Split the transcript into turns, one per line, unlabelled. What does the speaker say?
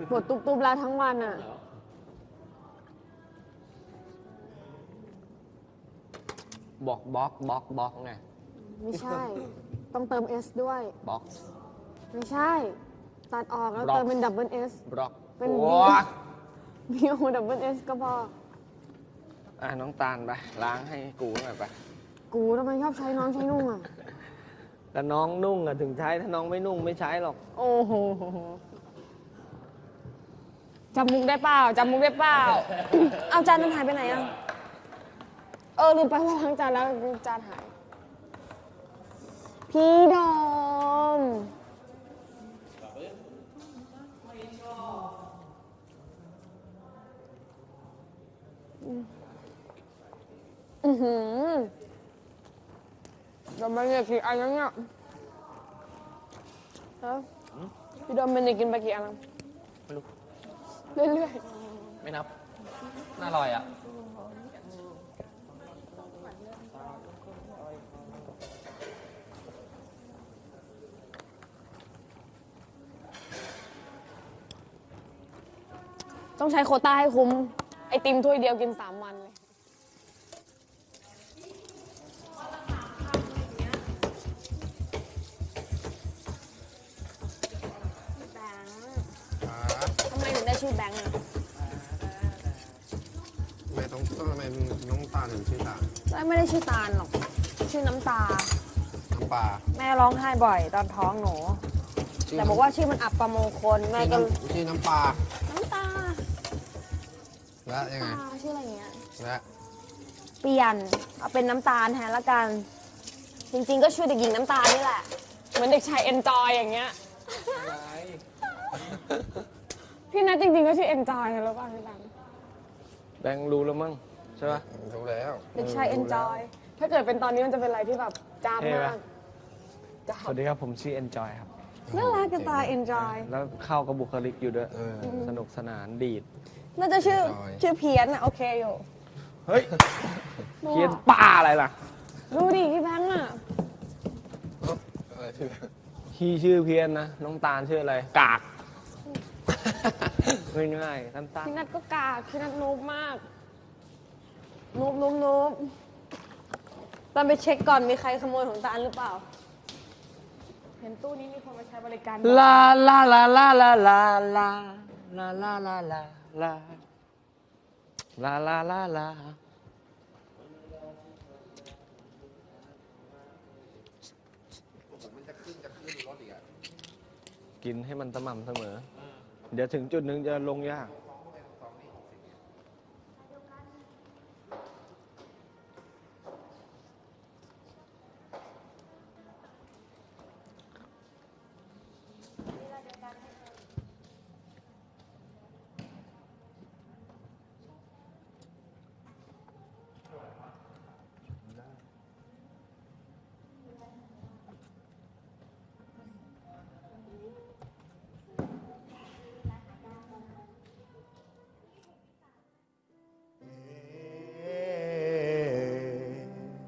ปวดตุบๆแล้วทั้งวันอ่ะ
บอกบล็อกไง
ไม่ใช่ต้องเติม S ด้วย
บ็อก
ไม่ใช่ตัดออกแล้วเติมเป็นดับเบิล S
บล็อก
เป็น
โอ้
BO ดับเบิล S ก็พอ
น้องตาลไปล้างให้กูหน่อยไป
กูทำไมชอบใช้น้องใช้นุ่งอ่ะ
แล้วน้องนุ่งอ่ะถึงใช้ถ้าน้องไม่นุ่งไม่ใช้หรอก
โอ้โหจำมุกได้เปล่าเอาจานมันหายไปไหนอ่ะลืมไปว่าล้างจานแล้วจานหายพี่ดอมเราไม่ได้กินอะไรเนี่ยพี่ดอมมันจะกินไปกี่อัน
ไม่รู้
เรื่อย
ๆไม่นับน่าอร่อยอ่ะ
ต้องใช้โควต้าให้คุ้มไอติมถ้วยเดียวกิน3 วันเลยทำไมถึงได้ชื่อแบงค์อ่ะ
ทำไมน้องตาถึงชื่อตา
ไม่ได้ชื่อตาลหรอกชื่อน้ำตา
น้ำปลา
แม่ร้องไห้บ่อยตอนท้องหนูแต่บอกว่าชื่อมันอับประมงคลแม่ก็
ชื่อน้ำปลา
แล้วยังไงชื่ออะไรเงี้ย
และ
เปลี่ยนเอาเป็นน้ำตาลแทนละกันจริงๆก็ชื่อเด็กหญิงน้ำตาลนี่แหละเหมือนเด็กชายเอนจอยอย่างเงี้ยพี่นัทจริงๆก็ชื่อเอนจอยนะรู้ป่ะพี่
แบงค์รู้แล้วมั้งใช่ป่ะ
รู้แล้ว
เด็กชายเอนจอยถ้าเกิดเป็นตอนนี้มันจะเป็นอะไรที่แบบจ้าบมาก
สวัสดีครับผมชื่อ Enjoy ครับ
น่ารักกันตาย Enjoy
แล้วเข้ากับบุคลิกอยู่ด้วยสนุกสนานดีด
น่าจะชื่อเพี้ยนอะโอเคอยู่
เฮ้ยเพี้ยนป้าอะไรล่ะ
ดูดิพี่แบงค์อะ
พี่ชื่อเพี้ยนนะน้องตาลชื่ออะไรกากง่ายๆสั้นๆ
พี่นัทก็กากพี่นัทนูบมากนูบตอนไปเช็คก่อนมีใครขโมยของตาลหรือเปล่าเห็นตู้นี้มีคนมาใช้บริการ
ลาลาลาลาลาลาลาลาลาลาลาลาลาลาลาลากินให้มันสม่ำเสมอเดี๋ยวถึงจุดหนึ่งจะลงยาก